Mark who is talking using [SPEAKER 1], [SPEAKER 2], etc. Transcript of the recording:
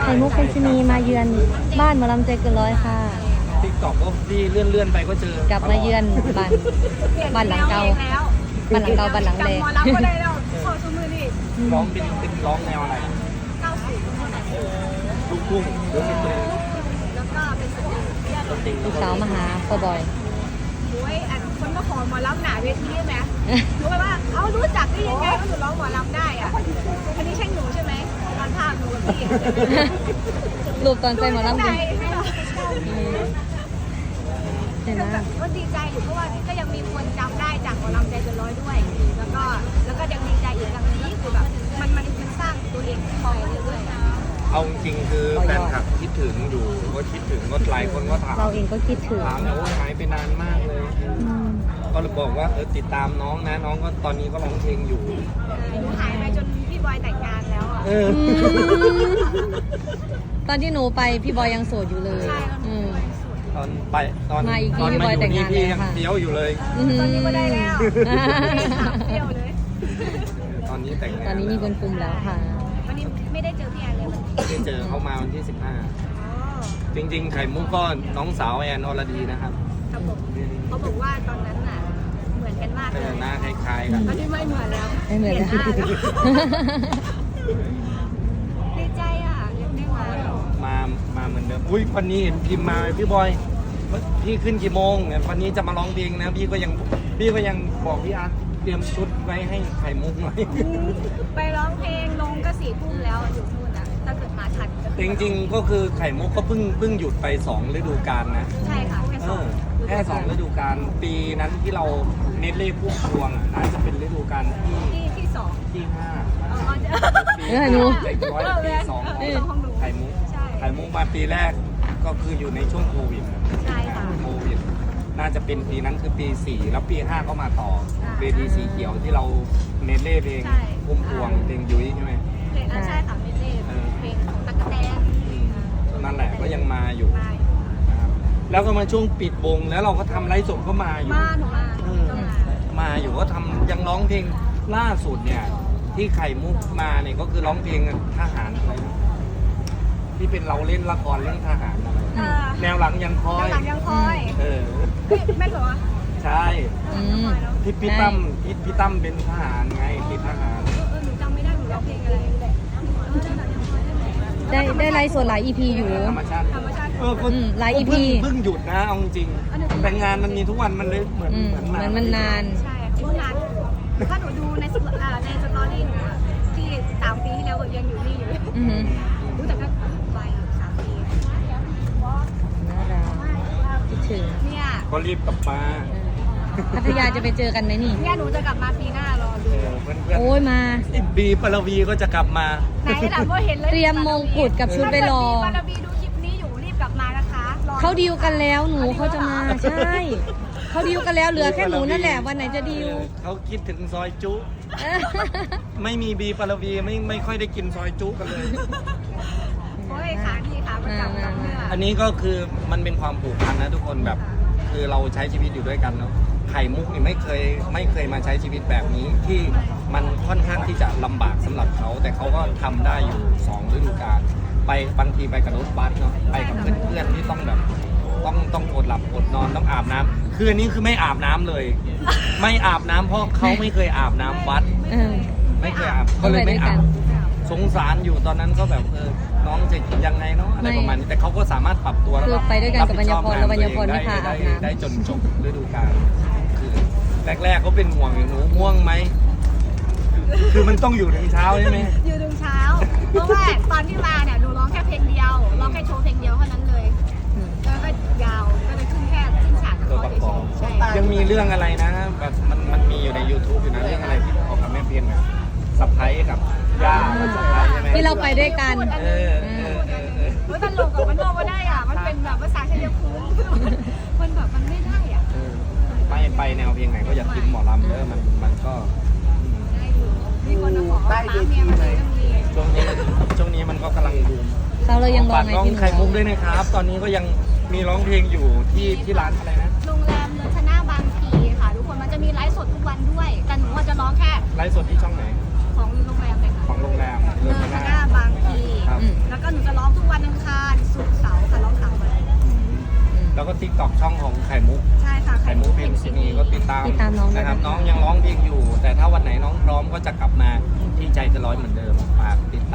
[SPEAKER 1] ข่มุกคุณชนีมาเยือนบ้านหมอลำใจเกินร้อยค่ะ
[SPEAKER 2] ติ๊กต็อกก็ที่เลื่อนไปก็เจอก
[SPEAKER 1] ลับมาเยือนบ้านหลังเก่าบ้านหลังเก่าบ้านหลังแดง
[SPEAKER 3] หมอรับก็ได้แล้วขอสมือนี่
[SPEAKER 2] ร้องเป็นร้องแนวอะไร
[SPEAKER 3] 90
[SPEAKER 2] ลูกทุ่งหรือเป็นเพลง
[SPEAKER 3] แล้วก็เป็นสตรี
[SPEAKER 1] ลูกสาวมาหาพ่อบอย
[SPEAKER 3] โอ้ยอันคนมาขอหมอรับหนาเวทีไหมรู้ไหมว่าเขารู้จักได้ยังไงว่าหนูร้องหมอรับได้อ่ะอันนี้ใช่หนูใช่ไหมตอนภาพหนูกับพี่
[SPEAKER 1] รูปตอนใจหมอลำ
[SPEAKER 3] ใจ
[SPEAKER 1] ใช่ไหม
[SPEAKER 3] ก็ดีใจอยู่เพราะว่าก็ยังมีคนจำได้จากหมอลำใจเกินร้อยด้วย แล้วก็ยังดีใจอีกอย่างนี้คือแบบมันสร้างตัวเองคอยเรื่อยๆ
[SPEAKER 2] เอาจริงๆคือแฟนคลับคิดถึงอยู่ก็คิดถึงก็หลายคนก็ถาม
[SPEAKER 1] เราเองก็คิดถึง
[SPEAKER 2] ถามเนี่ยว่าหายไปนานมากเลย ก็เลยบอกว่าติดตามน้องนะน้องก็ตอนนี้ก็ร้องเพลงอยู่
[SPEAKER 3] หนูหายไปจนพี่บอยแต่งงานแล้วอ่ะ
[SPEAKER 1] ตอนที่หนูไปพี่บอยยังโสดอยู่เลย
[SPEAKER 3] ใช่แล้วหนูไปสุด
[SPEAKER 2] ตอนไปตอน
[SPEAKER 1] มาอีกที
[SPEAKER 2] ตอน
[SPEAKER 1] พี่บ
[SPEAKER 2] มา
[SPEAKER 1] อย
[SPEAKER 2] อยู่
[SPEAKER 1] แต่ง
[SPEAKER 2] นี่
[SPEAKER 1] งาน
[SPEAKER 2] พี่
[SPEAKER 1] แล้ว
[SPEAKER 2] ยัง
[SPEAKER 1] ค่ะ
[SPEAKER 2] เฟี้ยวอยู่เลย
[SPEAKER 3] ตอนนี้ก็ได้แล้วสามเที่ยวเลย
[SPEAKER 2] ตอนนี้แต่งงาน
[SPEAKER 1] ตอนนี้มีคนคุมแล้วค่ะ
[SPEAKER 3] วันนี้ไม่ได้เจอพี่แอนเลยวันนี้
[SPEAKER 2] ได้เจอเขามาวันที่
[SPEAKER 3] อ๋อ
[SPEAKER 2] 15 จริงๆ ไข่มุกก็น้องสาวแอนอรดีนะครับ
[SPEAKER 3] ครับผมเขาบอกว่าตอนนั้นน่ะเหมือนกันมากเลย
[SPEAKER 2] หน้าคล้ายๆกัน
[SPEAKER 3] ตอนนี้ไม่เหมือนแล้ว
[SPEAKER 1] ไม่เหมือน
[SPEAKER 3] ปลี่ย
[SPEAKER 1] แล้ว
[SPEAKER 3] หาแล้วดีใจอ่ะยังได้มา
[SPEAKER 2] เหมือนเดิมอุ้ยวันนี้เห็นพิมพ์มาพี่บอยพี่ขึ้นกี่โมงเนี่ยวันนี้จะมาร้องเพลงนะพี่ก็ยังบอกพี่อาร์ตเตรียมชุดไว้ให้ไข่มุกหน่อย
[SPEAKER 3] ไปร้องเพลงลงก็4 ทุ่มแล้วอยู่นู่นอ่ะถ้าเกิดมาทันก็
[SPEAKER 2] จริงๆก็คือไข่มุกก็เพิ่งหยุดไป2ฤดูกาลนะ
[SPEAKER 3] ใช่ค่ะแค่สอง
[SPEAKER 2] แค่2ฤดูกาลปีนั้นที่เราเน็ตเล่พุ่งพวงน่าจะเป็นฤดูกาล
[SPEAKER 3] ที่สอง
[SPEAKER 2] ที่
[SPEAKER 3] อ๋อ
[SPEAKER 2] 5ปี
[SPEAKER 1] หนู
[SPEAKER 2] เด็กร้อยปี2ของ
[SPEAKER 3] ของหนู
[SPEAKER 2] ไข่มุก
[SPEAKER 3] ใช่
[SPEAKER 2] ไข่มุกมาปีแรกก็คืออยู่ในช่วงโควิด
[SPEAKER 3] ใช่ค่ะ
[SPEAKER 2] โควิดน่าจะเป็นปีนั้นคือปี 4 แล้วปี 5 ก็มาต่อ
[SPEAKER 3] ใช่
[SPEAKER 2] เวทีสีเขียวที่เราเน็ตเล่เพลง
[SPEAKER 3] ใช่
[SPEAKER 2] พุ่มพวงเพลงยุ้ยใช่ไหม
[SPEAKER 3] เพลงใช่ค่ะเพลงเพลงของตั๊กแตน
[SPEAKER 2] นั่นแหละก็ยังมาอยู่
[SPEAKER 3] มา
[SPEAKER 2] นะครับแล้วก็มาช่วงปิดวงแล้วเราก็ทำไลฟ์สดก็มาอยู่
[SPEAKER 3] มาหนูมาก็มา
[SPEAKER 2] อยู่ก็ทำยังร้องเพลงล่าสุดเนี่ย ที่ไข่มุกมาเนี่ยก็คือร้องเพลงทหารอะไรนะที่เป็นเราเล่นละครเรื่องทหารอะไรแนวหลังยังคอย
[SPEAKER 3] หลังยังคอย แม่เหรอ
[SPEAKER 2] ใช่
[SPEAKER 1] อืม
[SPEAKER 2] ที่พี่ตั้มเป็นทหารไงติดทหาร
[SPEAKER 3] หนูจำไม่ได้หนูร้องเพลงอะไร
[SPEAKER 1] ได้ไลฟ์สดหลาย EP อยู่
[SPEAKER 2] ธรรมชาติ
[SPEAKER 3] ธรรมชาติ
[SPEAKER 2] ก็
[SPEAKER 1] หลาย EP
[SPEAKER 2] เพิ่งหยุดนะเอาจริงๆแต่งานมันมีทุกวันมันเลยเหมือน
[SPEAKER 1] เหมือนมันนาน
[SPEAKER 3] ใช่ค่ะเมื่อนานถ้าหนูดูในสตอรี่หนูที่3 ปีที่แล้วยังอยู่นี่อยู่
[SPEAKER 1] อือหือ
[SPEAKER 3] รู้แต่ก็ไป3 ปี
[SPEAKER 1] น่ารักคิดถึง
[SPEAKER 3] เนี่ย
[SPEAKER 2] ก็รีบกลับมา
[SPEAKER 1] พัทยาจะไปเจอกันไหมนี่
[SPEAKER 3] เนี่ยหนูจะกลับมาปีหน้ารอดู
[SPEAKER 2] เพื่อน
[SPEAKER 1] โอ้ยมา
[SPEAKER 2] ๆบีปรวีก็จะกลับมา
[SPEAKER 3] ไหนล่ะก็เห็นเลย
[SPEAKER 1] เตรียมมงกุฎกับชุดไปรอ
[SPEAKER 3] บารบีดูคลิปนี้อยู่รีบกลับมานะคะรอ
[SPEAKER 1] เขาดีลกันแล้วหนูเขาจะมาใช่เขาดีลกันแล้วเหลือแค่หนูนั่นแหละวันไหนจะดีล
[SPEAKER 2] เขาคิดถึงซอยจุ ไม่มีบีปรวีไม่ค่อยได้กินซอยจุกันเลย
[SPEAKER 3] โอ้ยขาดีขาประจำกับเมื่อ
[SPEAKER 2] อันนี้ก็คือมันเป็นความผูกพันนะทุกคนแบบ คือเราใช้ชีวิตอยู่ด้วยกันเนาะไข่มุกนี่ไม่เคยมาใช้ชีวิตแบบนี้ที่มันค่อนข้างที่จะลำบากสำหรับเขาแต่เขาก็ทำได้อยู่2ฤดูกาลไปบางทีไปกับรถบัสเนาะไปกับเพื่อนๆที่ต้องแบบต้องอดหลับอดนอนต้องอาบน้ำคืออันนี้คือไม่อาบน้ำเลย ไม่อาบน้ำเพราะเขาไม่เคยอาบน้ำวัด
[SPEAKER 1] เออ
[SPEAKER 2] ไม่เคยอาบก็เลยไม่อาบสงสารอยู่ตอนนั้นก็แบบน้องจะยังไงเนาะอะไรประมาณนี้แต่เขาก็สามารถปรับตัวแล้ว
[SPEAKER 1] คือ
[SPEAKER 2] ก็
[SPEAKER 1] ไปด้วยกันกับปัญญาพรแล้วปัญญาพรไม่พาอาบน้ำ
[SPEAKER 2] ได้จนจบฤดูกาลคือแรกๆเขาเป็นห่วงอยู่หนูง่วงไหมคือมันต้องอยู่ถึงเช้าใช่ไหม
[SPEAKER 3] อยู่ถึงเช้า เพราะว่าตอนที่มาเนี่ยหนูร้องแค่เพลงเดียวร้องแค่โชว์เพลงเดียวเท่านั้นเลยแล้วก็ยาวก็เลยขึ้นฉากกับ
[SPEAKER 2] ตัว
[SPEAKER 3] เขา
[SPEAKER 2] ประกอบ
[SPEAKER 3] ใช่
[SPEAKER 2] ยังมีเรื่องอะไรนะแบบมันมีอยู่ใน YouTube อยู่นะเรื่องอะไรที่ออกกับแม่เพียนอะสะพ้ายกับย่ากับสะพ้ายใช่ไหม
[SPEAKER 1] ที่เราไปด้วยกัน
[SPEAKER 2] เออ
[SPEAKER 3] มันตลกกับมันโลกมาได้อ่ะมันเป็นแบบภาษาชัยภูมิมันแบบมันไม่ได้อ่ะ
[SPEAKER 2] ไปแนวเพลงไหนก็อย่าทิ้งหมอลำเด้อมันก็
[SPEAKER 3] ได้อยู่มีคนมาบอกว่าป้าเมียมันเลยต้องเรียน
[SPEAKER 2] ช่วงนี้มันก็กำลังบูม
[SPEAKER 1] เราเลยยังรอ
[SPEAKER 2] ฝาก
[SPEAKER 1] ไง
[SPEAKER 2] น้อง
[SPEAKER 1] ที่หนู
[SPEAKER 2] ไข่มุกด้วยนะครับ ตอนนี้ก็ยังมีร้องเพลงอยู่ที่ร้านอะไรนะ
[SPEAKER 3] โรงแรมเนอชนะบางพีค่ะทุกคนมันจะมีไลฟ์สดทุกวันด้วยแต่หนูจะร้องแค่
[SPEAKER 2] ไลฟ์สดที่ช่องไหน
[SPEAKER 3] ของโรงแรมเลยค่ะ
[SPEAKER 2] ของโรงแรม
[SPEAKER 3] เนอชนะบางพี
[SPEAKER 2] ครับ
[SPEAKER 3] แล้วก็หนูจะร้องทุก
[SPEAKER 2] ก็ติ๊กต็อกช่องของไข่มุก
[SPEAKER 3] ใช่ค่ะ
[SPEAKER 2] ไข่มุกเพลงซินีก็ติดตาม
[SPEAKER 1] น้องด้วย
[SPEAKER 2] นะครับ
[SPEAKER 1] นะคะ
[SPEAKER 2] น้องยังร้องเพลงอยู่ แต่ถ้าวันไหนน้องพร้อมก็จะกลับมาที่ใจจะร้อยเหมือนเดิมฝากติด